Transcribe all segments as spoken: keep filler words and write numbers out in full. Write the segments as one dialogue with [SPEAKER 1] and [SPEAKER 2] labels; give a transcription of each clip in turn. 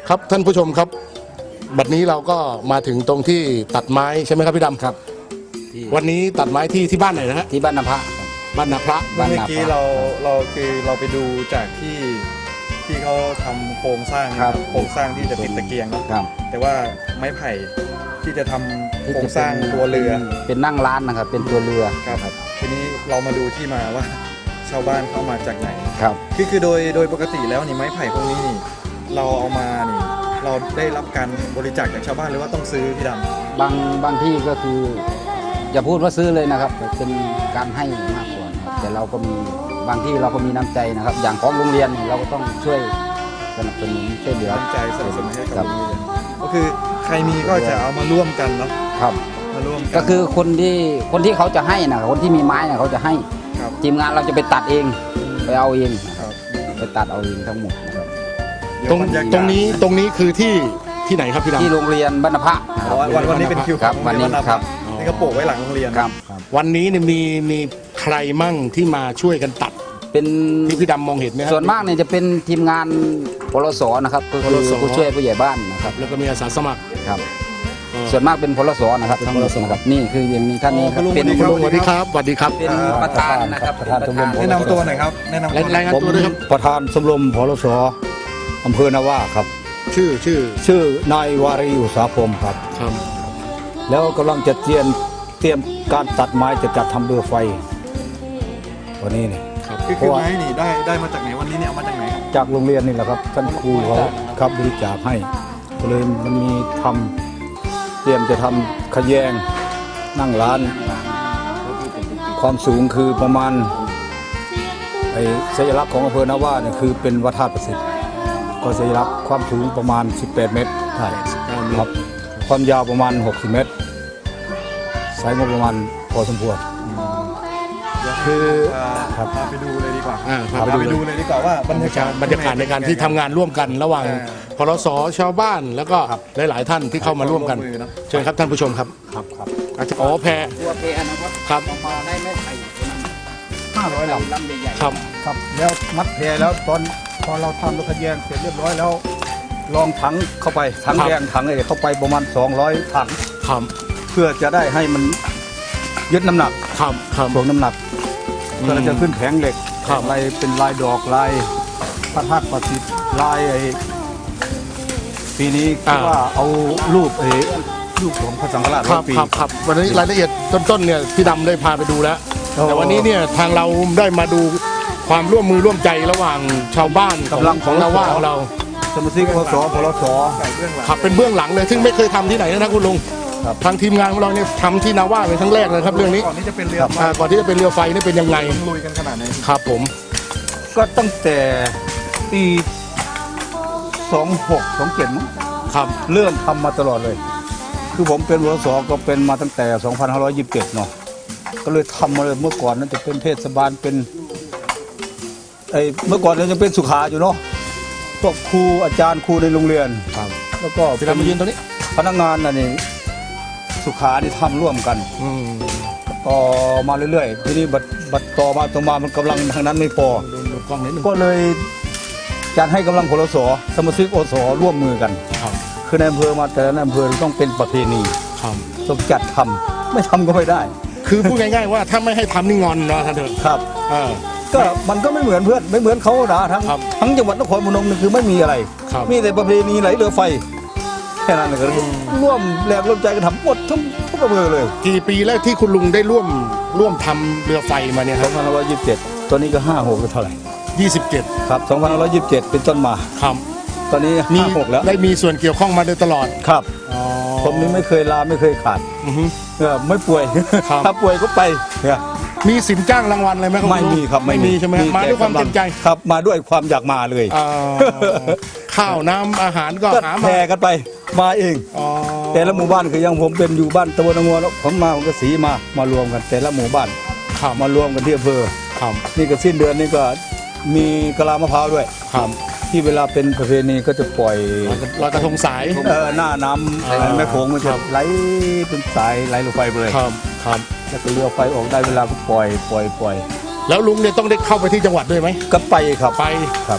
[SPEAKER 1] ครับท่านผู้ชมครับบัดนี้เราก็มาถึงตรงที่ตัดไม้ใช่ไหมครับพี่ดำครับวันนี้ตัดไม้ที่ที่บ้านไหนนะฮะ
[SPEAKER 2] ที่บ้านนาพระ
[SPEAKER 1] บ้านนาพระ
[SPEAKER 3] เมื่อกี้เราเราคือเราไปดูจากที่ที่เขาทำโครงสร้างโครงสร้างที่จะติดตะเกียงนะครับแต่ว่าไม้ไผ่ที่จะทำโครงสร้างตัวเรือ
[SPEAKER 2] เป็นนั่งร้านนะครับเป็นตัวเรือ
[SPEAKER 3] ครับทีนี้เรามาดูที่มาว่าชาวบ้านเข้ามาจากไหน
[SPEAKER 2] ครับ
[SPEAKER 3] คือคือโดยโดยปกติแล้วนี่ไม้ไผ่พวกนี้นี่เราเอามานี่เราได้รับการบริจาคจากชาวบ้านหรือว่าต้องซื้อพี่ดำ
[SPEAKER 2] บางบางที่ก็คืออย่าพูดว่าซื้อเลยนะครับเป็นการให้มากกว่าแต่เราก็มีบางที่เราก็มีน้ำใจนะครับอย่างของโรงเรียนเราก็ต้องช่วยสนับสนุนช่วยเหลือ
[SPEAKER 3] น้ำใจสนับสนุนให้กับโรงเรียนก็คือใครมีก็จะเอามาร่วมกันเนาะ
[SPEAKER 2] ครับ
[SPEAKER 3] มาร่วม
[SPEAKER 2] ก็คือคนที่คนที่เขาจะให้นะคนที่มีไม้เนี่ยเขาจะให้ทีมงานเราจะไปตัดเองไปเอาเองไปตัดเอาเองทั้งหมดนะครับ
[SPEAKER 1] ตรงตรงนี้ตรงนี้คือที่ที่ไหนครับพี่ดำ
[SPEAKER 2] ที่โรงเรียนบ้านนาพระ
[SPEAKER 3] วันวันนี้เป็นคิว
[SPEAKER 2] ครับวันนี้ครับ
[SPEAKER 3] นี่ก็โปะไว้หลังโรงเรียน
[SPEAKER 2] ครับ
[SPEAKER 1] วันนี้เนี่ยมีมีใครมั่งที่มาช่วยกันตัด
[SPEAKER 2] เป็น
[SPEAKER 1] ที่พี่ดำมองเห็นไหมครับ
[SPEAKER 2] ส่วนมากเนี่ยจะเป็นทีมงานพลสนะครับก็คือผู้ช่วยผู้ใหญ่บ้านนะครับ
[SPEAKER 1] แล้วก็มีอาสาสมัคร
[SPEAKER 2] ครับส่วนมากเป็นพลสนะครับทั้งหมดนะครับนี่คืออย่างนี้ท่านนี้
[SPEAKER 1] เป็นคุณลุงสวัสดีครับสวัสดีครับ
[SPEAKER 2] เป็นประธานนะครับ
[SPEAKER 3] ประธานชมรมแนะนำตัวหน่อยครับแนะนำ
[SPEAKER 1] รายงานตัวด้วยครับ
[SPEAKER 4] ประธานชมรมพลสอำเภอนาว่าครับ
[SPEAKER 1] ชื่อชื่อ
[SPEAKER 4] ชื่อนายวารีอุตสาพรมครับ
[SPEAKER 1] ครับ
[SPEAKER 4] แล้วกำลังจะเตรียมเตรียมการตัดไม้จะจัดทำเรือไฟวันนี้นี่
[SPEAKER 3] ครับคือไม้นี่ได้ได้มาจากไหนวันนี้เนี่ยเอามาจากไหน
[SPEAKER 4] จากโรงเรียนนี่แหละครับท่านครูเขาครับบริจาคให้ก็เลยมันมีทำเตรียมจะทำขยงนั่งร้านความสูงคือประมาณไอ้สัญลักษณ์ของอำเภอนาว่าเนี่ยคือเป็นวัดธาตุประสิทธิ์ก็สัญลักษณ์ความสูงประมาณสิบแปดเมตรใช่ครับความยาวประมาณหกสิบเมตรสายงบประมาณพอสมควร
[SPEAKER 3] คือพาไปดูเลยดีกว่าพาไปดูเลยดีกว่าว่าบรรยากาศ
[SPEAKER 1] บรรยากาศในการที่ทำงานร่วมกันระหว่างพลสชาวบ้านแล้วก็หลายๆท่านที่เข้ามาร่วมกันเชิญครับท่านผู้ชมครับ
[SPEAKER 4] ครับครับ
[SPEAKER 1] อาจจะอ๋อแพ
[SPEAKER 2] ตัวแพนะครับ
[SPEAKER 1] ครับ
[SPEAKER 2] มาได้ไม่ไผ่
[SPEAKER 4] ห้าร้อยลำ
[SPEAKER 2] ลำใหญ่
[SPEAKER 1] ๆครับ
[SPEAKER 4] ครับแล้วมัดแพแล้วตอนพอเราทำรถขยงเสร็จเรียบร้อยแล้วลองถังเข้าไปถังแยงถังอะไรเข้าไปประมาณสองร้อยถัง
[SPEAKER 1] ครับ
[SPEAKER 4] เพื่อจะได้ให้มันยึดน้ำหนัก
[SPEAKER 1] ครับครับ
[SPEAKER 4] ถ่วงน้ำหนักเพื่อจะขึ้นแผงเหล็กลายเป็นลายดอกลายพระธาตุประสิทธิ์ลายไอ้ปีนี้คิดว่าเอารูปไอ้รูปของพระสังฆราช
[SPEAKER 1] ครับครับครับวันนี้รายละเอียดต้นๆเนี่ยพี่ดำได้พาไปดูแล้วแต่วันนี้เนี่ยทางเราได้มาดูความร่วมมือร่วมใจระหว่างชาวบ้านกำลังของเราว่าของเรา
[SPEAKER 4] สมาชิกพลสพลส
[SPEAKER 1] ครับเป็นเบื้องหลังเลยซึ่งไม่เคยทำที่ไหนนะคุณลุงทางทีมงานของเราเนี่ยทำที่นาว่าเป็นครั้งแรกเลยครับเรื่องนี้
[SPEAKER 3] ก่อนที่จะเป็นเรือ
[SPEAKER 1] ก่อนที่จะเป็นเรือไฟนี่เป็นยังไง
[SPEAKER 3] ลุยกันขนาดไหน
[SPEAKER 1] ครับผม
[SPEAKER 4] ก็ตั้งแต่ปีสองหก สองเจ็ดมั้ง
[SPEAKER 1] ครับ
[SPEAKER 4] เริ่มทำมาตลอดเลยคือผมเป็นพลสก็เป็นมาตั้งแต่สองพันห้าร้อยยี่สิบเจ็ดเนาะก็เลยทำมาเลยเมื่อก่อนนั้นจะเป็นเทศบาลเป็นไอ้เมื่อก่อนนั้นจะเป็นสุขาอยู่เนาะพวกครูอาจารย์ครูในโรงเรียน
[SPEAKER 1] ครับ
[SPEAKER 4] แล้วก็
[SPEAKER 1] เป็นมายืนตัวนี้
[SPEAKER 4] พนักงานน่ะนี่สุขานี่ทำร่วมกันต่อมาเรื่อยๆทีนี้บัดบัดต่อมาต่อมามันกำลังทางนั้นไม่พอก็เลยจัดให้กำลังพลสสมาชิกอสร่วมมือกันคือในอำเภอมาแต่ละอำเภอต้องเป็นประเพณีต้องจัดทำไม่ทำก็ไม่ได้
[SPEAKER 1] คือพูดง่ายๆว่าถ้าไม่ให้ทำนี่งอนเนาะท่านเถิด
[SPEAKER 4] ครับก็มันก็ไม่เหมือนเพื่อนไม่เหมือนเขานะทั้งทั้งจังหวัดนครพนมนี่คือไม่มีอะไรมีแต่ประเพณีไหลเรือไฟแค่นั้นเลยร่วมแรงร่วมใจกันทำหมดทั้งทุกอำเภอเลย
[SPEAKER 1] กี่ปีแล้วที่คุณลุงได้ร่วมร่วมทำเรือไฟมาเนี่ย
[SPEAKER 4] สองพันห้าร้อยยี่สิบเจ็ดตอนนี้ก็ห้าหกเท่าไหร่
[SPEAKER 1] ยี่สิบเจ็ด
[SPEAKER 4] ครับสองพันห้าร้อยยี่สิบเจ็ดเป็นต้นมา
[SPEAKER 1] ครับ
[SPEAKER 4] ตอนนี้
[SPEAKER 1] มี
[SPEAKER 4] หกแล้ว
[SPEAKER 1] ได้มีส่วนเกี่ยวข้องมาโดยตลอด
[SPEAKER 4] ครับผมนี่ไม่เคยลาไม่เคยขาดเออไม่ป่วยถ้าป่วยก็ไป
[SPEAKER 1] มีสินจ้างรางวัลอะไรไหมครับ
[SPEAKER 4] ไม่มีครับ
[SPEAKER 1] ไม่มีใช่ไหมมาด้วยความเต็มใจ
[SPEAKER 4] ครับมาด้วยความอยากมาเลย
[SPEAKER 1] ข้าวน้ำอาหารก็หามา
[SPEAKER 4] แพร่กันไปมาเองแต่ละหมู่บ้านคือยังผมเป็นอยู่บ้านตะวันงวแล้วผมมาผมก็สีมามารวมกันแต่ละหมู่บ้านมารวมกันที่อำเภอนี่ก็สิ้นเดือนนี้ก็มีกะลามะพร้าวด้วยที่เวลาเป็นประเพณีก็จะปล่อย
[SPEAKER 1] ลอยกระทงสาย
[SPEAKER 4] หน้าน้ำแม่โขงมันจะไหลเป็นสายไหลลงไปเลย
[SPEAKER 1] ครับครับ
[SPEAKER 4] แล้วก็เรือไฟออกได้เวลาก็ปล่อยปล่อยปล่อย
[SPEAKER 1] แล้วลุงเนี่ยต้องได้เข้าไปที่จังหวัดด้วยไหม
[SPEAKER 4] ก็ไปครับ
[SPEAKER 1] ไป
[SPEAKER 4] ครับ
[SPEAKER 1] ไ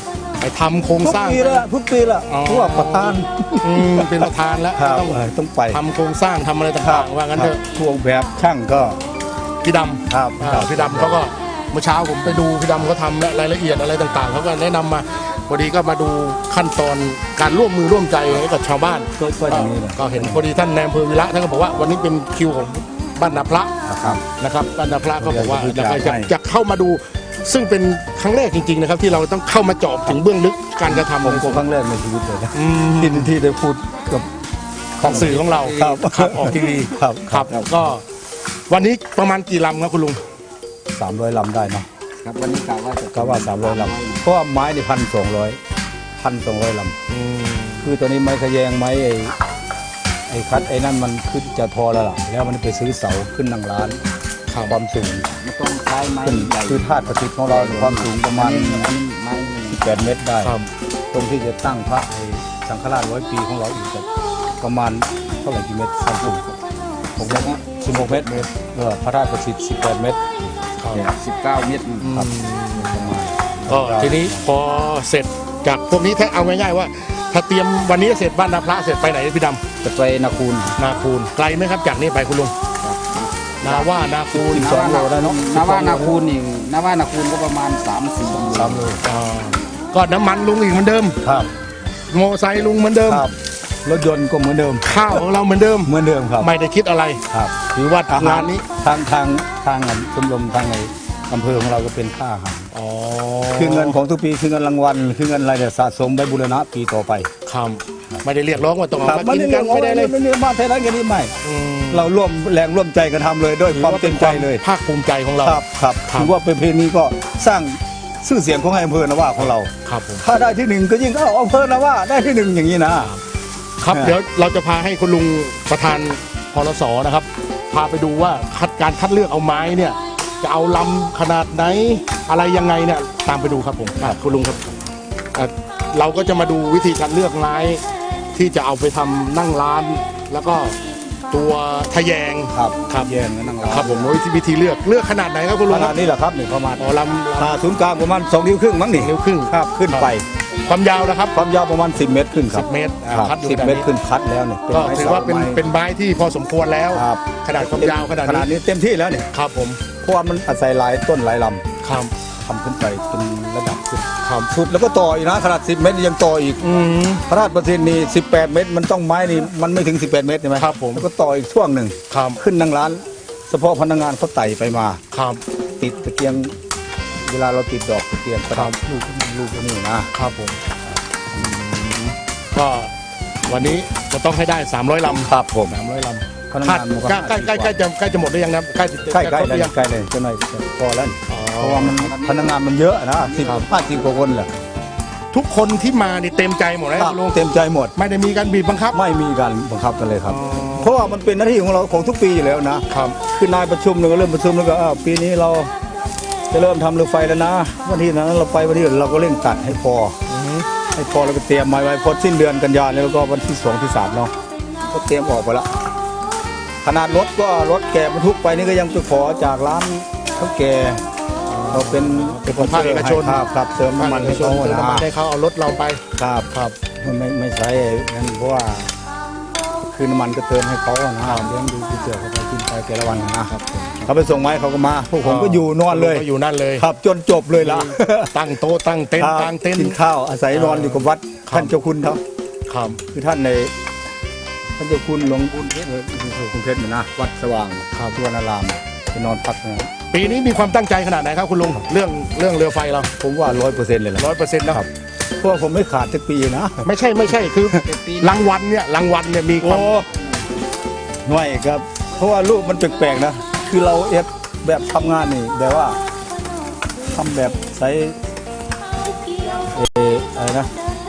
[SPEAKER 1] ไปทำโครง
[SPEAKER 4] ทุก
[SPEAKER 1] สร้าง
[SPEAKER 4] ปีละทุกปีละ
[SPEAKER 1] อ๋อ
[SPEAKER 4] เพราะว่าประธาน
[SPEAKER 1] อืมเป็นประธานแล้ว
[SPEAKER 4] ครับ
[SPEAKER 1] ต้อง
[SPEAKER 4] เออต้องไป
[SPEAKER 1] ทำโครงสร้างทำอะไรต่างๆว่างั้นเถอะ
[SPEAKER 4] พวกแบบช่างก็
[SPEAKER 1] พี่ดำ
[SPEAKER 4] ครับ
[SPEAKER 1] อ่า
[SPEAKER 4] ครับ
[SPEAKER 1] พี่ดำเขาก็เมื่อเช้าผมไปดูพี่ดำเขาทำและรายละเอียดอะไรต่างๆเขาก็แนะนำมาพอดีก็มาดูขั้นตอนการร่วมมือร่วมใจให้กับชาวบ้าน
[SPEAKER 4] ก็ก็อย่างนี้เลย
[SPEAKER 1] ก็เห็นพอดีท่านนายอำเภอวิระท่านก็บอกว่าวันนี้เป็นคิวของบ้านนาพระ
[SPEAKER 4] ครับ
[SPEAKER 1] นะครับบ้านนาพระก็บอกว่า
[SPEAKER 4] เดี๋
[SPEAKER 1] อยาก
[SPEAKER 4] ยวจะ
[SPEAKER 1] จะ
[SPEAKER 4] ให้
[SPEAKER 1] จะเข้ามาดู ซึ่งเป็นครั้งแรกจริงๆนะครับที่เราต้องเข้ามาเจาะถึงเบื้องลึกการกระทำ
[SPEAKER 4] ผมก็ครั้งแรกในชีวิตเลยนะ
[SPEAKER 1] อืม
[SPEAKER 4] ที่ที่ได้พูดกับ
[SPEAKER 1] ของสื่อของเรา
[SPEAKER 4] ครับ
[SPEAKER 1] ครับออกทีวี
[SPEAKER 4] ครับ
[SPEAKER 1] ครับก็วันนี้ประมาณกี่ลำครับคุณลุง
[SPEAKER 4] สามร้อยลำได้เนาะ
[SPEAKER 2] ครับวันนี้กะว่าจะ
[SPEAKER 4] ก็ว่าสามร้อยลำเพราะว่าไม้นี่พันสองร้อยพันสองร้อยลำคือตัวนี้ไม้ขยงไม้ไอ้ไอ้คัดไอ้นั่นมันขึ้นจะพอแล้วล่ะแล้วมันไปซื้อเสาขึ้นนั่งร้านความสูง
[SPEAKER 2] ไม่ต้องใช้ไม้
[SPEAKER 4] ขึ้น
[SPEAKER 2] ใหญ่
[SPEAKER 4] คือธาตุประสิทธิ์ของเราความสูงประมาณ
[SPEAKER 2] อันนี้อันนี้ไม้
[SPEAKER 4] สิบแปดเมตรได้
[SPEAKER 1] ครับ
[SPEAKER 4] ตรงที่จะตั้งพระไอ้สังฆราชร้อยปีของเราอีกจะประมาณเท่าไหร่กี่เมตรสามสิบหกเมตรสิบหกเมตรเออพระราชประสิทธิ์สิบแปดเมตร
[SPEAKER 2] สิบเก้าเมตร
[SPEAKER 4] ครับประมาณ
[SPEAKER 1] ก็ทีนี้พอเสร็จจากพวกนี้ถ้าเอาง่ายๆว่า ถ้าเตรียมวันนี้เสร็จบ้านนาพระเสร็จไปไหนพี่ด
[SPEAKER 2] จะไปนาคูน
[SPEAKER 1] ำนาคูนไกลไหมครับจากนี้ไปคุณลุงนาว่านาคูน
[SPEAKER 4] สองโลได้เนอะ
[SPEAKER 2] นาว่านาคูนนี่นาว่านาคูนก็ประมาณสามสี่
[SPEAKER 4] สามโล
[SPEAKER 1] อ่าก็น้ำมันลุงอีกเหมือนเดิม
[SPEAKER 4] ครับ
[SPEAKER 1] โมอไซค์ลุงเหมือนเดิม
[SPEAKER 4] ครับรถยนต์ก็เหมือนเดิม
[SPEAKER 1] ข้าวของเราเหมือนเดิม
[SPEAKER 4] เหมือนเดิมครับ
[SPEAKER 1] ไม่ได้คิดอะไร
[SPEAKER 4] ครับ
[SPEAKER 1] ถือว่า
[SPEAKER 4] อาหาง
[SPEAKER 1] าร นนี้
[SPEAKER 4] ทางทางทางชมรมทางในอำเภอของเราก็เป็นค่าอาหาร
[SPEAKER 1] อ๋อ
[SPEAKER 4] คือเงินของทุกปีคือเงินรางวัลคือเงินอะไรเนี่ยสะสมไปบูรณะปีต่อไป
[SPEAKER 1] ครับไม่ได้เรียกร้องว่าต้องเอา
[SPEAKER 4] ครับ
[SPEAKER 1] มากินกันไม่ได้เลย
[SPEAKER 4] ไม่ได้มาเท่านั้นกันนี่ไม่
[SPEAKER 1] อืม
[SPEAKER 4] เราร่วมแรงร่วมใจกันทำเลยด้วยความเต็มใจเลย
[SPEAKER 1] ภาคภูมิใจของเรา
[SPEAKER 4] ครับครับ
[SPEAKER 1] ครับ
[SPEAKER 4] ถือว่าเป็นเพลงนี้ก็สร้างชื่อเสียงของอำเภอนะว่าของเรา
[SPEAKER 1] ครับผม
[SPEAKER 4] ถ้าได้ที่หนึ่งก็ยิ่งเอาอำเภอนะว่าได้ที่หนึ่งอย่างนี้นะ
[SPEAKER 1] ครับ
[SPEAKER 4] อ่า
[SPEAKER 1] เดี๋ยวเราจะพาให้คุณลุงประธานพลสนะครับ พาไปดูว่าคัดการคัดเลือกเอาไม้เนี่ย จะเอาลำขนาดไหนอะไรยังไงเนี่ยตามไปดูครับผมอ่ะคุณลุงครับอ่ะเราก็จะมาดูวิธีการเลือกไม้ที่จะเอาไปทำนั่งร้าน แล้วก็ตัวทะแยง
[SPEAKER 4] ครับ
[SPEAKER 1] ครับ
[SPEAKER 4] เย็นนั่งร้าน
[SPEAKER 1] ครับผมวิธีวิธีเลือกเลือกขนาดไหนครับคุณลุ
[SPEAKER 4] ข
[SPEAKER 1] ง
[SPEAKER 4] นาดนี้แหละครับหนึ่งประมาณ
[SPEAKER 1] อ๋อลำ
[SPEAKER 4] อ่าศูนย์กลางประมาณสองนิ้วครึ่งมั้งนี่
[SPEAKER 1] นิ้วครึ่ง
[SPEAKER 4] ครับขึ้นไป
[SPEAKER 1] ความยาวนะครับ
[SPEAKER 4] ความยาวประมาณสิบเมตรขึ้นค
[SPEAKER 1] สิ
[SPEAKER 4] รับบ
[SPEAKER 1] เมตรอ่า
[SPEAKER 4] ครับ
[SPEAKER 1] คัดอยู่
[SPEAKER 4] สิบ
[SPEAKER 1] ขนาด
[SPEAKER 4] เมตร
[SPEAKER 1] นี้
[SPEAKER 4] ขึ้นคัดแล้วเนี่ย
[SPEAKER 1] ก็ถือว่าเป็น
[SPEAKER 4] ไม้
[SPEAKER 1] เป็นไม้ที่พอสมควรแล้ว
[SPEAKER 4] ครับ
[SPEAKER 1] ขนาดความยาวขนาด
[SPEAKER 4] ขนาด
[SPEAKER 1] นี้
[SPEAKER 4] นี้เต็มที่แล้วเนี่ย
[SPEAKER 1] ครับผม
[SPEAKER 4] เพราะว่ามันอาศัยหลายต้นหลายล
[SPEAKER 1] ครับ
[SPEAKER 4] ำทำขึ้นไปเป็นระดับสุด
[SPEAKER 1] ครับ
[SPEAKER 4] สุดแล้วก็ต่ออีกนะขนาดสิบเมตรยังต่ออีก
[SPEAKER 1] อืม
[SPEAKER 4] พระราชประสิทธิ์นี่สิบแปดเมตรมันต้องไม้นี่มันไม่ถึงสิบแปดเมตรใช่ไหม
[SPEAKER 1] ครับผม
[SPEAKER 4] แล้วก็ต่ออีกช่วงหนึ่ง
[SPEAKER 1] ครับ
[SPEAKER 4] ขึ้นนั่งร้าน เฉพาะพนักงานเขาไต่ไปมา
[SPEAKER 1] ครับ
[SPEAKER 4] ติดตะเกียง เวลาเราติดดอกตะเกียงประดับลูกลูกนี่นะ
[SPEAKER 1] ครับผมอืมก็วันนี้จะต้องให้ได้สามร้อยลำ
[SPEAKER 4] ครับผม
[SPEAKER 1] สามร้อยล
[SPEAKER 4] พนัก
[SPEAKER 1] ำคาด
[SPEAKER 4] งานมันก็
[SPEAKER 1] ใกล้ใกล้ใกล้ใกล้จะใกล้จะหมดหรือยังนะใกล้จะ
[SPEAKER 4] ใกล้ใกล้
[SPEAKER 1] จะครบห
[SPEAKER 4] เลย
[SPEAKER 1] รือยัง
[SPEAKER 4] ใกล้เลยจะหน่อยจะพอแล้วนี่
[SPEAKER 1] อ๋อ
[SPEAKER 4] เพราะว่ามันพนักงานมันเยอะนะสิบ
[SPEAKER 1] ครับ
[SPEAKER 4] ห้าสิบกว่าคนแหละ
[SPEAKER 1] ทุกคนที่มานี่เต็มใจหมดเลยคุณลุง
[SPEAKER 4] เต็มใจหมด
[SPEAKER 1] ไม่ได้มีการบีบบังคับ
[SPEAKER 4] ไม่มีการบังคับกันเลยครับ
[SPEAKER 1] อ๋อ
[SPEAKER 4] เพราะว่ามันเป็นหน้าที่ของเราของทุกปีอยู่แล้วนะครับ คือนายประชุมเราก็เริ่มประชุมแล้วก็อ้าวปีนี้เราจะเริ่มทำเรือไฟแล้วนะวันที่นั้นเราไปวันที่อื่นเราก็เร่งตัดให้พอ
[SPEAKER 1] อือฮึ
[SPEAKER 4] ให้พอแล้วก็เตรียมไว้ไว้พอสิ้นเดือนกันยายนแล้วก็วันที่สองที่สามเนาะก็เตรียมออกไปละขนาดรถก็รถแก่บรรทุกไปนี่ก็ยังไปขอจากร้านเขาแก่เราเป็น
[SPEAKER 1] เป็นของภาคเอกชน
[SPEAKER 4] ครับครับเติมน้ำมันให้เขา
[SPEAKER 1] เติม
[SPEAKER 4] นะ
[SPEAKER 1] น้ำมันให้เขาเอารถเราไป
[SPEAKER 4] ครับ
[SPEAKER 1] ครับ
[SPEAKER 4] ไม่ไม่ไม่ใช่นั่นเพราะว่าคือน้ำมันก็เติมให้เขาอะนะเลี้ยงดูที่เสือเขาไปกินไปแต่ละวันนะครับเขาไปส่งไม้เขาก็มาพวกผมก็อยู่นอนเลย
[SPEAKER 1] ก็อยู่นั่นเลย
[SPEAKER 4] ครับจนจบเลยล่ะ
[SPEAKER 1] ตั้งโต๊ะตั้งเต็นท์
[SPEAKER 4] ครับ
[SPEAKER 1] ตั้งเต็นท์
[SPEAKER 4] กินข้าวอาศัยนอนอยู่กับวัด
[SPEAKER 1] ครับ
[SPEAKER 4] ท่านเจ้าคุณเขา
[SPEAKER 1] ครับ
[SPEAKER 4] คือท่านในท่านเจ้าคุณหลวงคุณเพชรคุณเพชรเนี่ยนะวัดสว่าง
[SPEAKER 1] ครับ
[SPEAKER 4] ทวนารามไปนอนพักนะ
[SPEAKER 1] ปีนี้มีความตั้งใจขนาดไหนครับคุณลุงเรื่องเรื่องเรือไฟเรา
[SPEAKER 4] ผมว่าร้อยเปอร์เซ็นต์เลยแหละ
[SPEAKER 1] ร้อยเปอร์เซ็นต์นะครับ
[SPEAKER 4] เพราะว่าผมไม่ขาดสักปีนะ
[SPEAKER 1] ไม่ใช่ไม่ใช่คือ
[SPEAKER 2] เป็นปี
[SPEAKER 1] รางวัลเนี่ยรางวัลเนี่ยมีค
[SPEAKER 4] โอ้
[SPEAKER 1] วาม
[SPEAKER 4] หน่วยครับ เพราะว่ารูปมันแปลกๆนะ คือเราเอฟแบบทำงานนี่แบบว่าทำแบบใช้เอออะไรนะ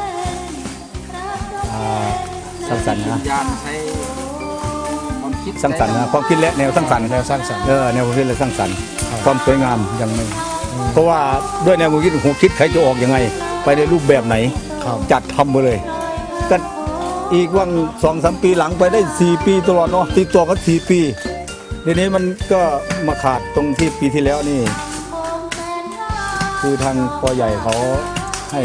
[SPEAKER 4] อ่าสร้างสรรค์นะ
[SPEAKER 2] ยานใช้ความคิด
[SPEAKER 4] สร้างสรรค์นะความคิดและแนวสร้างสรรค์
[SPEAKER 1] แนวสร้างสรรค์
[SPEAKER 4] เออแนวความคิดและสร้างสรรค์
[SPEAKER 1] ครับ
[SPEAKER 4] ความสวยงามยังไม่ เพราะว่าด้วยแนวความคิดผมคิดใครจะออกยังไง ไปในรูปแบบไหน
[SPEAKER 1] ครับ
[SPEAKER 4] จัดทำไปเลยก็อีกว่างสองสามปีหลังไปได้สี่ปีตลอดเนาะติดต่อกันสี่ปีทีนี้มันก็มาขาดตรงที่ปีที่แล้วนี่ คือทางปอใหญ่เขาให้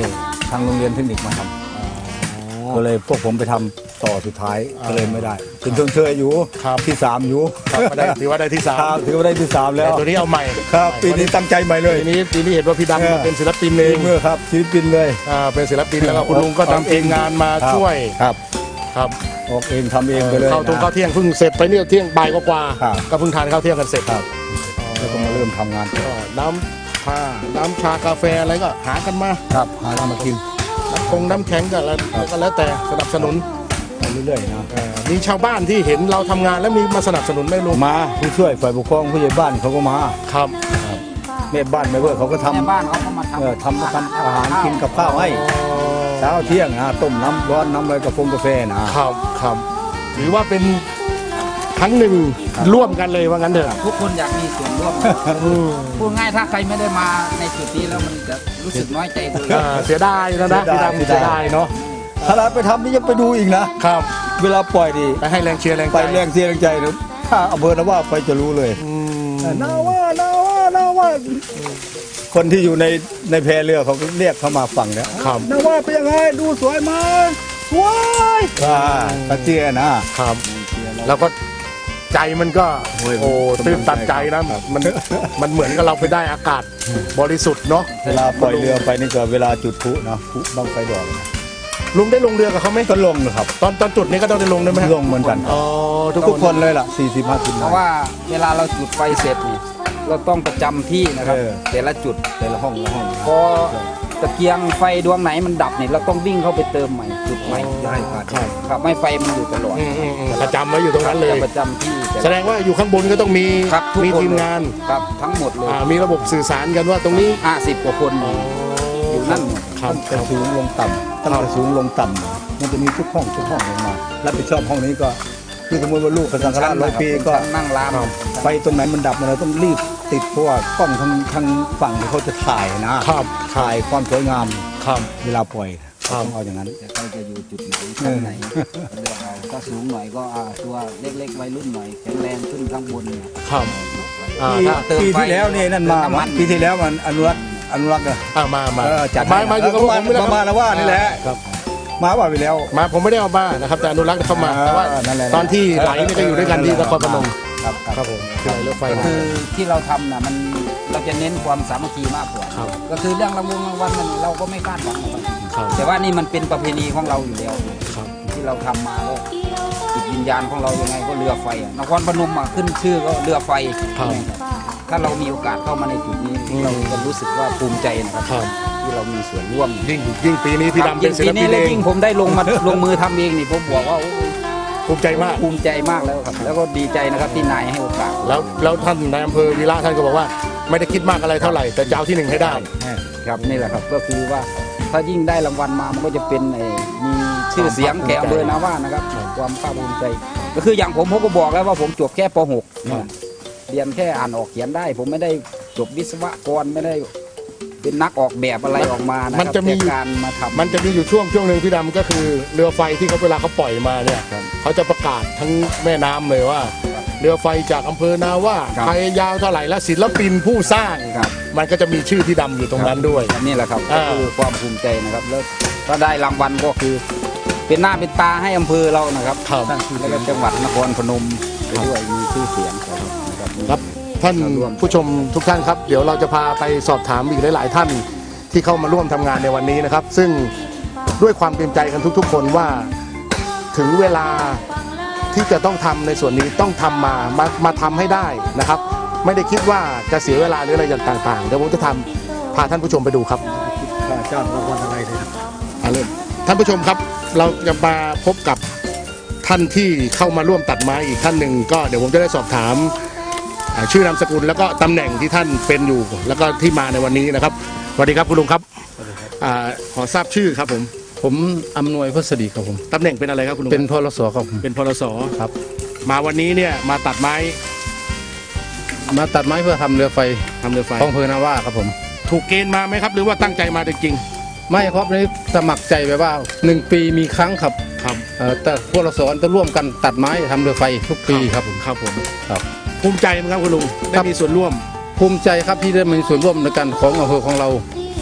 [SPEAKER 4] ทางโรงเรียนเทคนิคมาทำก็เลยพวกผมไปทำต่อสุดท้ายก็เลยไม่ได้เป็นชมเชยอยู่
[SPEAKER 1] ครับ
[SPEAKER 4] ที่สามอยู่
[SPEAKER 1] ครับก็ได้ถือว่าได้ที่สาม
[SPEAKER 4] ครับถือว่าได้ที่สามแล้
[SPEAKER 1] แต่
[SPEAKER 4] ว
[SPEAKER 1] ตัวนี้เอาใหม่
[SPEAKER 4] ครับปีนี้ตั้งใจใหม่เลย
[SPEAKER 1] ปีนี้ปีนี้เห็นว่าพี่
[SPEAKER 4] เออ
[SPEAKER 1] ดำมาเป็นศิลปินเอ
[SPEAKER 4] เอง
[SPEAKER 1] ง
[SPEAKER 4] เมื่อครับศิลปินเลย
[SPEAKER 1] อ่าเป็นศิลปินแล้วก็คุณลุงก็ทำเองงานมา
[SPEAKER 4] ครับ
[SPEAKER 1] ช่วย
[SPEAKER 4] ครับ
[SPEAKER 1] ครับ
[SPEAKER 4] ออกเองทำเองไปเลย
[SPEAKER 1] เข้าทุ่ง
[SPEAKER 4] นะ
[SPEAKER 1] เข้าเที่ยงเพิ่งเสร็จไปเนี่ยเที่ยงบ่ายกว่าๆ
[SPEAKER 4] ครับ
[SPEAKER 1] ก็เพิ่งทานข้าวเที่ยงกันเสร็จ
[SPEAKER 4] ครับแล้วก็มาเริ่มทำงาน
[SPEAKER 1] ก็น้ำชาน้ำชากาแฟอะไรก็หากันมา
[SPEAKER 4] ครับหาทำมากิน
[SPEAKER 1] น้ำคงน้ำแข็งก็แล้วก็แล้วแต่สนับสนุน
[SPEAKER 4] ไปเรื่อยๆนะ
[SPEAKER 1] เอ่อมีชาวบ้านที่เห็นเราทำงานแล้วมีมาสนับสนุนไหมลุง
[SPEAKER 4] มาผู้ช่วยฝ่ายปกครองผู้ใหญ่บ้านเขาก็มา
[SPEAKER 1] ครับ
[SPEAKER 4] แม่บ้านแม่เวอร์เขาก็ทำ
[SPEAKER 2] ในบ้านเขาก็มาทำ
[SPEAKER 4] เออทำทำอาหารกินกับข้าวให้เช้าเที่ยงนะต้มน้ำร้อนน้ำอะไรกาแฟกาแฟนะครับ
[SPEAKER 1] ครับถือว่าเป็นครั้งหนึ่งร่วมกันเลยว่างั้นเถอะ
[SPEAKER 2] ทุกคนอยากมีส่วนร่วม
[SPEAKER 1] อืม
[SPEAKER 2] พูดง่ายถ้าใครไม่ได้มาในจุดนี้แล้วมันจะรู้สึกน้อยใจตัวเอง
[SPEAKER 1] อ่าเสียดายนะนะพี่ดำเสียดายเนาะ
[SPEAKER 4] ถ้าเราไปทำนี่ยังไปดูอีกนะครับ เวลาปล่อยดิ
[SPEAKER 1] ไปให้แรงเชียร์แรงใจ
[SPEAKER 4] ไปแรงเสียแรงใจนะถ้าอำเภอนะว่าไปจะรู้เลย
[SPEAKER 1] อืม
[SPEAKER 4] นาว่านาว่านาว่าคนที่อยู่ในในแพเรือเขาก็เรียกเข้ามาฝั่งเนี่ย
[SPEAKER 1] ครับ
[SPEAKER 4] นาว่าเป็นยังไงดูสวยไหมสวยอ่าตะเจียนะครับ
[SPEAKER 1] แล้วก็ใจมันก็
[SPEAKER 4] โอ้ย
[SPEAKER 1] โอ้ตื้นตันใจนะมันมันเหมือนกับเราไปได้อากาศบริสุทธิ์เนาะ
[SPEAKER 4] เวลาปล่อยเรือไปนี่ก็เวลาจุดพลุนะพลุบังไฟดอกนะ
[SPEAKER 1] ลุงได้ลงเรือกับเขาไหม
[SPEAKER 4] ก็ลงนะครับ
[SPEAKER 1] ตอนตอนจุดนี้ก็ต้องได้ลงด้วยไหมฮะ
[SPEAKER 4] ลงเหมือนกัน
[SPEAKER 1] อ๋อทุก
[SPEAKER 4] ทุก
[SPEAKER 1] ค
[SPEAKER 4] คน นเลยล่ะสี่สิบห้าสิบ
[SPEAKER 2] เพราะว่าเวลาเราจุดไฟเสร็จนี่เราต้องประจำที่นะครับ
[SPEAKER 4] เออ
[SPEAKER 2] แต่ละจุด
[SPEAKER 4] แต่ละห้องละห้อง
[SPEAKER 2] พอตะเกียงไฟดวงไหนมันดับเนี่ยเราต้องวิ่งเข้าไปเติมใหม่จุดใหม่
[SPEAKER 4] ได้ผ่าน
[SPEAKER 1] ครับ
[SPEAKER 2] ครับไม่ไฟมันอยู่ตลอด
[SPEAKER 1] อืมอืมอืมประจำไว้อยู่ตรงนั้นเลย
[SPEAKER 2] ประจำที่แต่
[SPEAKER 1] แสดงว่าอยู่ข้างบนก็ต้องมี
[SPEAKER 2] ครับทุก
[SPEAKER 1] มี
[SPEAKER 2] คน
[SPEAKER 1] ทีมงาน
[SPEAKER 2] ครับทั้งหมดเลย
[SPEAKER 1] อ่ามีระบบสื่อสารกันว่าตรงนี้
[SPEAKER 2] ห้าสิบกว่าคน
[SPEAKER 1] อ๋อ
[SPEAKER 2] อยู่นั่นหมด
[SPEAKER 1] ครับ
[SPEAKER 4] ตั้งแต่สูงลงต่ำตั้งแต่สูงลงต่ำมันจะมีทุกห้องทุกห้องลงมารับผิดชอบห้องนี้ก็คือสมมติว่าลูกกระสังฆราชร้อยปีก็
[SPEAKER 2] นั่งร้าน
[SPEAKER 4] ไฟตรงไหนมันดับเราต้องรีบติดเพราะว่ากล้องทางทางฝั่งที่เขาจะถ่ายนะครับ ถ่ายความสวยงาม
[SPEAKER 1] ครับ
[SPEAKER 4] เวลาปล่อย
[SPEAKER 1] ครับ
[SPEAKER 4] ต้องเอาอย่างนั้น
[SPEAKER 2] แต่เขาจะอยู่จุดไหนชั้นไหนเลือกเอาถ้าสูงหน่อยก็อ่าตัวเล็กๆวัยรุ่นหน่อยแข็งแรงขึ้นข้างบนเนี่ย
[SPEAKER 1] ครับอ่า
[SPEAKER 4] ปี
[SPEAKER 1] ถ้า
[SPEAKER 2] เติม
[SPEAKER 4] ปี
[SPEAKER 2] ไฟ
[SPEAKER 4] ที่แล้วนี่นั่นมา
[SPEAKER 2] เติมน้ำมัน
[SPEAKER 4] ปีที่แล้วมันอนุรักษ์อนุรักษ์อะ
[SPEAKER 1] อ่ามามา
[SPEAKER 4] เออจัด
[SPEAKER 1] มา
[SPEAKER 4] ให้
[SPEAKER 1] มาอยู่กับ
[SPEAKER 4] เ
[SPEAKER 1] ผมนี่แหละ
[SPEAKER 4] ประมาณนะว่านี่แหละ
[SPEAKER 1] ครับ
[SPEAKER 4] มาว่าไปแล้ว
[SPEAKER 1] มาผมไม่ได้เอามานะครับแต่อนุรักษ์เข้ามาแต่ว่า
[SPEAKER 4] เออนั่นแหละ
[SPEAKER 1] ตอนที่ไหลนี่ก็อยู่ด้วยกันที่นครพนม
[SPEAKER 4] ครับ
[SPEAKER 1] ครับผมที่ไหลรถไฟมา
[SPEAKER 2] คือที่เราทำนะมันเราจะเน้นความสามัคคีมากกว่า
[SPEAKER 1] ครับ
[SPEAKER 2] ก็คือเรื่องรางวงรางวัลมันเราก็ไม่คาดหวังหรอกครับ
[SPEAKER 1] ครับ
[SPEAKER 2] แต่ว่านี่มันเป็นประเพณีของเราอยู่แล้ว
[SPEAKER 1] ครับ
[SPEAKER 2] ที่เราทำมาก็จิตวิญญาณของเรายังไงก็เรือไฟอะนครพนมอะขึ้นชื่อก็เรือไฟ
[SPEAKER 1] ครับ
[SPEAKER 2] ใช่ไหมครับถ้าเรามีโอกาสเข้ามาในจุดนี้
[SPEAKER 1] อืม
[SPEAKER 2] เราจะรู้สึกว่าภูมิใจนะครับ
[SPEAKER 1] ครับ
[SPEAKER 2] ที่เรามีส่วนร่วม
[SPEAKER 1] ยิ่งยิ่งปีนี้พี่ดำเป็นศิล
[SPEAKER 2] ยิ่งปี
[SPEAKER 1] ปิ
[SPEAKER 2] นี้
[SPEAKER 1] น
[SPEAKER 2] แล้
[SPEAKER 1] เอ
[SPEAKER 2] ว
[SPEAKER 1] ง
[SPEAKER 2] ยิ่งผมได้ลงมา ลงมือทำเองนี่ผมบอกว่าโอ้ย
[SPEAKER 1] ภูมิใจมาก
[SPEAKER 2] ภูมิใจมากแล้วครับ แล้วก็ดีใจนะครับที่นายให้โอกาส
[SPEAKER 1] แล้วแล้วท่านนายอำเภอวีระท่านก็บอกว่า ไม่ได้คิดมากอะไรเท่าไหร่แต่จะเอาที่หนึ่งให้ได้
[SPEAKER 2] ครับนี่แหละครับก็คือว่าถ้ายิ่งได้รางวัลมามันก็จะเป็นไอ้มีชื่อเสียงแก่อำเภอนาว่านะครับความภาคภูมิใจ ก็คืออย่างผมผมก็บอกแล้วว่าผมจบแค่ป .หก
[SPEAKER 1] ครับ
[SPEAKER 2] เรียนแค่อ่านออกเขียนได้ ผมไม่ได้จบวิศวกรไม่ได้เป็นนักออกแบบอะไรออกมานะค
[SPEAKER 1] มัน
[SPEAKER 2] รับ
[SPEAKER 1] จะมี
[SPEAKER 2] แต่การมาทำ
[SPEAKER 1] มันจะมีอยู่ช่วงช่วงหนึ่งพี่ดำก็คือเรือไฟที่เขาเวลาเขาปล่อยมาเนี่ย
[SPEAKER 2] ครับ
[SPEAKER 1] เขาจะประกาศทั้งแม่น้ำเลยว่า เรือไฟจากอำเภอนาว่า
[SPEAKER 2] ครับ
[SPEAKER 1] ใครยาวเท่าไหร่และศิลปินผู้สร้าง
[SPEAKER 2] ครับ
[SPEAKER 1] มันก็จะมีชื่อพี่ดำอยู่ตรงนั้นด้วย
[SPEAKER 2] นี่แหละครับ
[SPEAKER 1] อ่า
[SPEAKER 2] ก็คือความภูมิใจนะครับ แล้วถ้าได้รางวัลก็คือ เป็นหน้าเป็นตาให้อำเภอเรานะครับ
[SPEAKER 1] ครับ
[SPEAKER 2] แล้วก็จังหวัดนครพนมไปด้วยมีชื่อเสียงนะครับ
[SPEAKER 1] ครับท่าน
[SPEAKER 2] มาร่วม
[SPEAKER 1] ผู้ชมทุกท่านครับ เดี๋ยวเราจะพาไปสอบถามอีกหลาย ๆ ท่านที่เข้ามาร่วมทำงานในวันนี้นะครับ ซึ่งด้วยความเต็มใจกันทุก ๆ คนว่าถึงเวลาที่จะต้องทำในส่วนนี้ต้องทำมามามาทำให้ได้นะครับ ไม่ได้คิดว่าจะเสียเวลาหรืออะไรอย่างต่างๆเดี๋ยวผมจะทำพาท่านผู้ชมไปดูครับ
[SPEAKER 4] ค่าจ้างรางวัลอะไรเลยนะ
[SPEAKER 1] อ่ะเริ่มท่านผู้ชมครับเราจะมาพบกับท่านที่เข้ามาร่วมตัดไม้อีกท่านหนึ่งก็เดี๋ยวผมจะได้สอบถามอ่าชื่อนามสกุลแล้วก็ตำแหน่งที่ท่านเป็นอยู่ แล้วก็ที่มาในวันนี้นะครับสวัสดีครับคุณลุงครับอ่าขอทราบชื่อครับผม
[SPEAKER 5] ผมอำนวยพัสดีครับผม
[SPEAKER 1] ตำแหน่งเป็นอะไรครับคุณลุง
[SPEAKER 5] เป็นพลสครับผม
[SPEAKER 1] เป็นพลส
[SPEAKER 5] ครับ
[SPEAKER 1] มาวันนี้เนี่ยมาตัดไม้
[SPEAKER 5] มาตัดไม้เพื่อทำเรือไฟ
[SPEAKER 1] ทำเรือไฟ
[SPEAKER 5] ของอำเภอนาว่าครับผม
[SPEAKER 1] ถูกเกณฑ์มาไหมครับ หรือว่าตั้งใจมาจริง
[SPEAKER 5] ไม่ครับนี่สมัครใจแบบว่าหนึ่งปีมีครั้งครับ
[SPEAKER 1] ๆครับ
[SPEAKER 5] เอ่อแต่พวกเราสอนจะร่วมกันตัดไม้ทำเรือไฟทุกปีครับผม
[SPEAKER 1] ครับผม
[SPEAKER 5] ครับ
[SPEAKER 1] ภูมิใจไหมครับคุณลุงได้
[SPEAKER 5] ครับ
[SPEAKER 1] มีส่วนร่วม
[SPEAKER 5] ภูมิใจครับที่ได้มีส่วนร่วมในการของอำเภอของเรา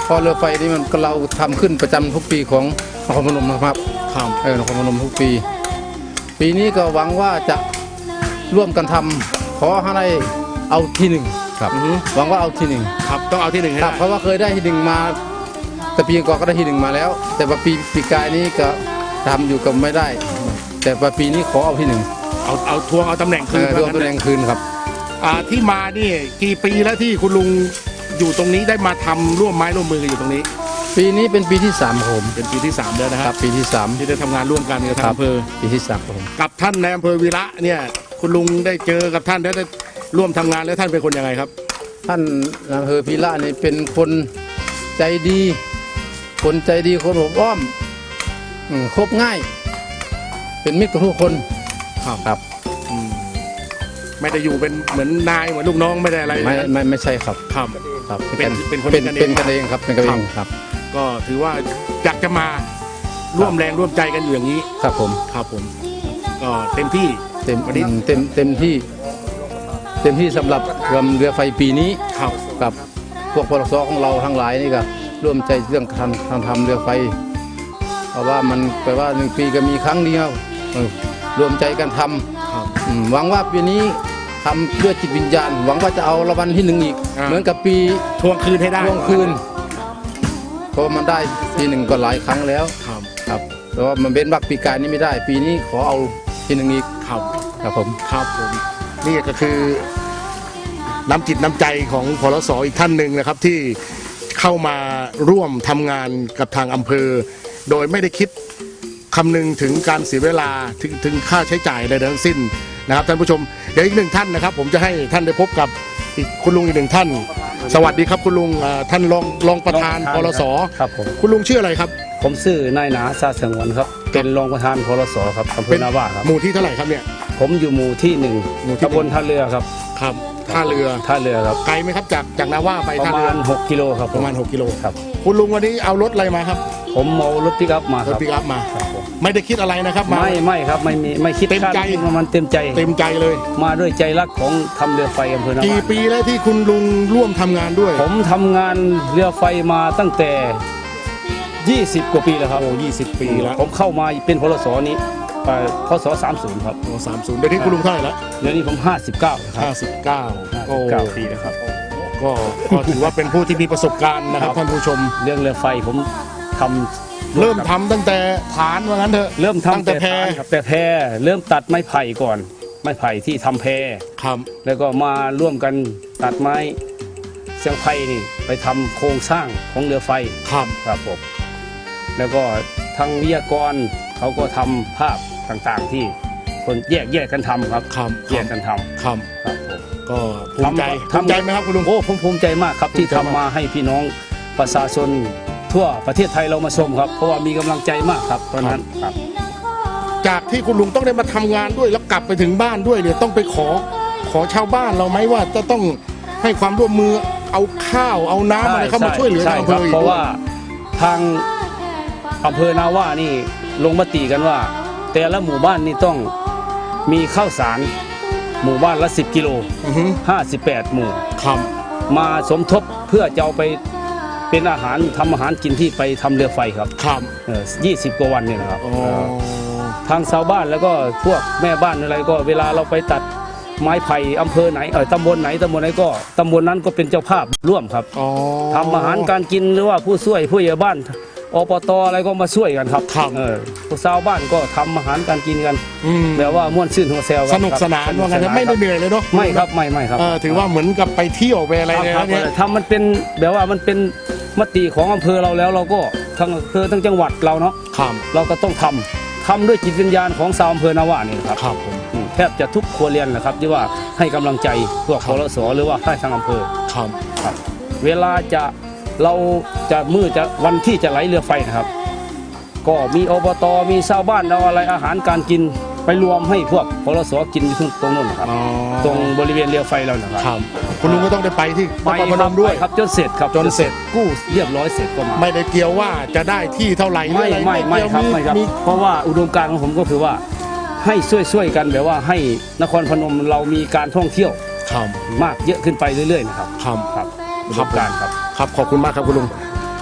[SPEAKER 5] เพราะเรือไฟนี่มันก็เราทำขึ้นประจำทุกปีของนครพนมนะครับ
[SPEAKER 1] ครับ
[SPEAKER 5] เออนครพนมทุกปี ปีนี้ก็หวังว่าจะร่วมกันทำขอให้ได้เอาที่หนึ่งครับ
[SPEAKER 1] อือฮึ
[SPEAKER 5] หวังว่าเอาที่หนึ่ง
[SPEAKER 1] ครับต้องเอาที่หนึ่งให้
[SPEAKER 5] ครั
[SPEAKER 1] ได้
[SPEAKER 5] บเพราะว่าเคยได้ที่หนึ่งมา แต่ปีก่อนก็ได้ที่หนึ่งมาแล้ว แต่ว่าปีปีกายนี้ก็ทำอยู่กับไม่ได้ แต่ว่าปีนี้ขอเอาที่หนึ่ง
[SPEAKER 1] เอาเอาทวงเอาตำแหน่ง
[SPEAKER 5] เอ
[SPEAKER 1] คืน
[SPEAKER 5] อรวมตำแหน่งคืนครับ
[SPEAKER 1] อ่าที่มานี่กี่ปีแล้วที่คุณลุงอยู่ตรงนี้ได้มาทำร่วมไม้ร่วมมือกันอยู่ตรงนี้
[SPEAKER 5] ปีนี้เป็นปีที่สามครับผม
[SPEAKER 1] เป็นปีที่สามแล้วนะค
[SPEAKER 5] ค
[SPEAKER 1] รั
[SPEAKER 5] รับ บปีที่สาม
[SPEAKER 1] ที่ได้ทำงานร่วมกันกับทางอำเภอ
[SPEAKER 5] ปีที่สามครับผม
[SPEAKER 1] กับท่านในอำเภอวีระเนี่ยคุณลุงได้เจอกับท่านได้ได้ร่วมทำงานแล้วท่านเป็นคนยังไงครับ
[SPEAKER 5] ท่านอำเภอพิระนี่เป็นคนใจดี คนใจดีคนอบอ้อมอืมคบง่าย เป็นมิตรกับทุกคน
[SPEAKER 1] ครับ
[SPEAKER 5] ครับ
[SPEAKER 1] อืมไม่ได้อยู่เป็นเหมือนนายเหมือนลูกน้องไม่ได้อะไร
[SPEAKER 5] ไม่ไม่ไม่ใช่ครับ
[SPEAKER 1] ครับ
[SPEAKER 5] ครับ
[SPEAKER 1] เป็นเป็นคน
[SPEAKER 5] เป็น
[SPEAKER 1] กันเอง
[SPEAKER 5] เป็นกันเองครับเป็นกันเองครับ
[SPEAKER 1] ก็ถือว่าอยากจะมาร่วมแรงร่วมใจกันอยู่อย่างนี้
[SPEAKER 5] ครับผม
[SPEAKER 1] ครับผม ก็เต็มที่
[SPEAKER 5] เต็ม
[SPEAKER 1] วันนี้
[SPEAKER 5] เต็มเต็มที่ เต็มที่สำหรับเรือเรือไฟปีนี้
[SPEAKER 1] ครับ
[SPEAKER 5] กับพวกพลสของเราทั้งหลายนี่ก็ร่วมใจเรื่องการทำทำเรือไฟ เพราะว่ามันแปลว่าหนึ่งปีก็มีครั้งเดียวเออรวมใจกันท
[SPEAKER 1] ครับ
[SPEAKER 5] ำอืมหวังว่าปีนี้ทำด้วยจิตวิญญาณ หวังว่าจะเอารางวัลที่หนึ่งอีก
[SPEAKER 1] อ่า
[SPEAKER 5] เหมือนกับปี
[SPEAKER 1] ทวงคืนให้ได้
[SPEAKER 5] ทวงคืนเพราะว่ามันได้ปีหนึ่งก็หลายครั้งแล้ว
[SPEAKER 1] ครับ
[SPEAKER 5] ครับแต่ว่ามันเป็นบักปีกายนี้ไม่ได้ ปีนี้ขอเอาที่หนึ่งอีก
[SPEAKER 1] ครับ
[SPEAKER 5] ครับผม
[SPEAKER 1] ครับผมนี่ก็คือน้ำจิตน้ำใจของพลสอีกท่านหนึ่งนะครับที่เข้ามาร่วมทำงานกับทางอำเภอ โดยไม่ได้คิดคำนึงถึงการเสียเวลาถึงถึงค่าใช้จ่ายอะไรทั้งสิ้นนะครับท่านผู้ชมเดี๋ยวอีกหนึ่งท่านนะครับ ผมจะให้ท่านได้พบกับอีกคุณลุงอีกหนึ่งท่าน สวัสดีครับคุณลุงอ่าท่านรองรองประธานพลส
[SPEAKER 6] ครับผม
[SPEAKER 1] คุณลุงชื่ออะไรครับ
[SPEAKER 6] ผมชื่อนายหนาซาสงวนครับ เป็นรองประธานพลสครับอำเภอนาว่าครับ
[SPEAKER 1] หมู่ที่เท่าไหร่ครับเนี่ย
[SPEAKER 6] ผมอยู่หมู่ที่หนึ่ง
[SPEAKER 1] หมู่ที่หนึ่ง
[SPEAKER 6] ตำบลท่าเรือครับ
[SPEAKER 1] ครับท่าเรือ
[SPEAKER 6] ท่าเรือครับ
[SPEAKER 1] ไกลไหมครับจากจากนาว่าไป
[SPEAKER 6] ประ
[SPEAKER 1] ท่า
[SPEAKER 6] มา
[SPEAKER 1] เรือ
[SPEAKER 6] ณหกกิโลครับผ
[SPEAKER 1] ประมาณหกกิโล
[SPEAKER 6] ครับ
[SPEAKER 1] คุณลุงวันนี้เอารถอะไรมาครับ
[SPEAKER 6] ผมเอารถปิกอัพมาร ค
[SPEAKER 1] ถ
[SPEAKER 6] รับ
[SPEAKER 1] ปิกอัพมา
[SPEAKER 6] ครับผม
[SPEAKER 1] ไม่ได้คิดอะไรนะครับมา
[SPEAKER 6] ไม่ไม่ครับไม่มีไม่คิด
[SPEAKER 1] เต็มใจ
[SPEAKER 6] ค่ามันเต็มใจ
[SPEAKER 1] เต็มใจเลย
[SPEAKER 6] มาด้วยใจรักของทำเรือไฟอำเภอนา
[SPEAKER 1] กี่
[SPEAKER 6] ว่า
[SPEAKER 1] ปีแล้วที่คุณลุงร่วมทำงานด้วย
[SPEAKER 6] ผมทำงานเรือไฟมาตั้งแต่ยี่สิบกว่าปีแล้วครับ
[SPEAKER 1] โอ้ยี่สิบปีแล้ว
[SPEAKER 6] ผมเข้ามาเป็นพลสนี้เอ่อพศสามสิบครับ
[SPEAKER 1] โอ้สามศูนย์เดี๋ยวนี้คุณลุงเท่าไหร่แล้ว
[SPEAKER 6] เดี๋ยวนี้ผมห้าสิบเก้าครั
[SPEAKER 1] ห้า
[SPEAKER 6] บ
[SPEAKER 1] สิบเก้าโอ้
[SPEAKER 6] เก้าปีแล้วครับ
[SPEAKER 1] ก็ก็ถือว่าเป็นผู้ที่มีประสบการณ์นะครับ
[SPEAKER 6] ครับ
[SPEAKER 1] ท่านผู้ชม
[SPEAKER 6] เรื่องเรือไฟผมทำ
[SPEAKER 1] เริ่มทำตั้งแต่ฐานว่างั้นเถอะ
[SPEAKER 6] เริ่ม
[SPEAKER 1] ตั้ง
[SPEAKER 6] ทำ
[SPEAKER 1] แต่แพ
[SPEAKER 6] ฐานครับแต่แพรเริ่มตัดไม้ไผ่ก่อน ไม้ไผ่ที่ทำแพร
[SPEAKER 1] ครับ
[SPEAKER 6] แล้วก็มาร่วมกันตัดไม้เสียงไผ่นี่ไปทำโครงสร้างของเรือไฟ
[SPEAKER 1] ครับ
[SPEAKER 6] ครับผมแล้วก็ทางวิทยากรเขาก็ทำภาพต่างๆที่คนแยกแยกกันทำครับ
[SPEAKER 1] ครับ
[SPEAKER 6] แยกกันทำ
[SPEAKER 1] ครับ
[SPEAKER 6] ครับผม
[SPEAKER 1] ก็ภูมิใจ
[SPEAKER 6] ทำ
[SPEAKER 1] ภูมิใจไหมครับคุณลุง
[SPEAKER 6] โอ้ผมภูมิใจมากครับที่
[SPEAKER 1] ภูมิใจ
[SPEAKER 6] ทำ
[SPEAKER 1] มาก
[SPEAKER 6] มาให้พี่น้องประชาชนทั่วประเทศไทยเรามาชมครับ เพราะว่ามีกำลังใจมากครับตอนนั้นครับ
[SPEAKER 1] จากที่คุณลุงต้องได้มาทำงานด้วยแล้วกลับไปถึงบ้านด้วยเนี่ยต้องไปขอขอชาวบ้านเราไหมว่าจะต้องให้ความร่วมมือเอาข้าวเอาน้ำอะไรเข้ามาช่วยเหลือทางอำเภอ
[SPEAKER 6] ใช่
[SPEAKER 1] อีก
[SPEAKER 6] เพราะว่าทางอำเภอนาว่านี่ลงมติกันว่า แต่ละหมู่บ้านนี่ต้องมีข้าวสารหมู่บ้านละสิบกิโล
[SPEAKER 1] อือฮึ
[SPEAKER 6] ห้าสิบแปดหมู่
[SPEAKER 1] ครับ
[SPEAKER 6] มาสมทบเพื่อจะเอาไปเป็นอาหารทำอาหารกินที่ไปทำเรือไฟครับ
[SPEAKER 1] ครับ
[SPEAKER 6] ยี่สิบกว่าวันเนี่ยนะครับ
[SPEAKER 1] อ๋อ
[SPEAKER 6] ทางชาวบ้านแล้วก็พวกแม่บ้านอะไรก็เวลาเราไปตัดไม้ไผ่อำเภอไหนเออตำบลไหนตำบลไหนก็ตำบลนั้นก็เป็นเจ้าภาพร่วมครับ
[SPEAKER 1] อ๋อ
[SPEAKER 6] ทำอาหารการกินหรือว่าผู้ช่วยผู้ใหญ่บ้านอปตอะไรก็มาช่วยกันครับ
[SPEAKER 1] ครับ
[SPEAKER 6] เออพวกชาวบ้านก็ทำอาหารการกินกัน
[SPEAKER 1] อืม
[SPEAKER 6] แบบว่าม่วนชื่นหัวแซว
[SPEAKER 1] สนุกสนานว่างั้นนะไม่ได้เหนื่อยเลยเนาะ
[SPEAKER 6] ไม่ครับไม่ไม่ครับ
[SPEAKER 1] เออถือว่าเหมือนกับไปเที่ยวไปอะไร
[SPEAKER 6] ครับ
[SPEAKER 1] เนี่ย
[SPEAKER 6] ครับ
[SPEAKER 1] นะเนี่ย
[SPEAKER 6] ทำมันเป็นแบบว่ามันเป็นมติของอำเภอเราแล้วเราก็ทั้งอำเภอทั้งจังหวัดเราเนาะ
[SPEAKER 1] ครับ
[SPEAKER 6] เราก็ต้องทำทำด้วยจิตวิญญาณของชาวอำเภอนาว่านี่นะครับ
[SPEAKER 1] ครับผม
[SPEAKER 6] อืมแทบจะทุกครัวเรือนนะครับที่ว่าให้กำลังใจพวก
[SPEAKER 1] ค
[SPEAKER 6] พ
[SPEAKER 1] รับ
[SPEAKER 6] ลสหรือว่าให้ทางอำเภอ
[SPEAKER 1] ครับ
[SPEAKER 6] ครับเวลาจะเราจะมือจะวันที่จะไหลเรือไฟนะครับ ก็มีอบตมีชาวบ้านเอาอะไรอาหารการกินไปรวมให้พวกพลสกินอยู่ตรงนู้นนะครับ
[SPEAKER 1] อ๋อ
[SPEAKER 6] ตรงบริเวณเรือไฟเรานะครับ
[SPEAKER 1] ครับคุณลุงก็ต้องได้ไปที่น
[SPEAKER 6] ไป
[SPEAKER 1] ครพนมด้วย
[SPEAKER 6] ไปครับจนเสร็จครับ
[SPEAKER 1] จนเสร็จ
[SPEAKER 6] กู้เรียบร้อยเสร็จก็มา
[SPEAKER 1] ไม่ได้เกี่ยวว่าจะได้ที่เท่าไหร่หรือ
[SPEAKER 6] ไม่
[SPEAKER 1] อะไร
[SPEAKER 6] ไม่ไม่
[SPEAKER 1] เกี่ยว
[SPEAKER 6] ครับไม่ครับ
[SPEAKER 1] มี
[SPEAKER 6] เพราะว่าอุดมการณ์ของผมก็คือว่าให้ช่วยๆกันแบบว่าให้นครพนมเรามีการท่องเที่ยว
[SPEAKER 1] ครับ
[SPEAKER 6] มากเยอะขึ้นไปเรื่อยๆนะครับ
[SPEAKER 1] ครับ
[SPEAKER 6] ครับอุดมการณ์ครับ
[SPEAKER 1] ครับขอบคุณมากครับคุณลุง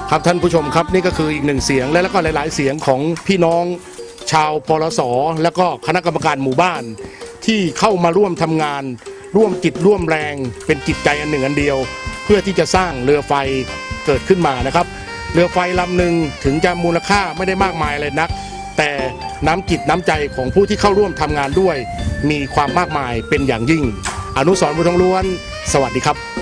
[SPEAKER 1] ครับท่านผู้ชมครับนี่ก็คืออีกหนึ่งเสียงและแล้วก็หลายๆเสียงของพี่น้องชาวปลสและก็คณะกรรมการหมู่บ้านที่เข้ามาร่วมทำงาน ร่วมจิตร่วมแรงเป็นจิตใจอันหนึ่งอันเดียว เพื่อที่จะสร้างเรือไฟเกิดขึ้นมานะครับเรือไฟลำหนึ่งถึงจะมูลค่าไม่ได้มากมายเลยนัก แต่น้ำจิตน้ำใจของผู้ที่เข้าร่วมทำงานด้วยมีความมากมายเป็นอย่างยิ่งอนุสรณ์บุญทองล้วนสวัสดีครับ